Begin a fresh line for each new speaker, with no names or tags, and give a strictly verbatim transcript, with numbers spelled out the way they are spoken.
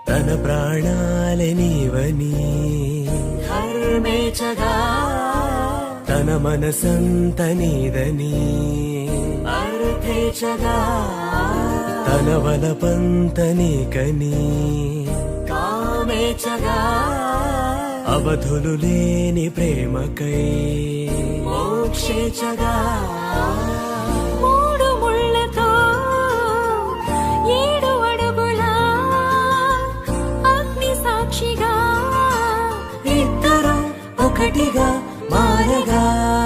తన ప్రాణాలే నీవని
ధర్మేచగా
తన మనసంత నీదని
అర్థేచగా
తన వలపంత నీకని
కామేచగా
అవధులు లేని ప్రేమకై
మోక్షేచగా మూడు ముళ్ళతో ఏడు అడుగుల అగ్ని సాక్షిగా
ఇద్దరు ఒకటిగా మారగా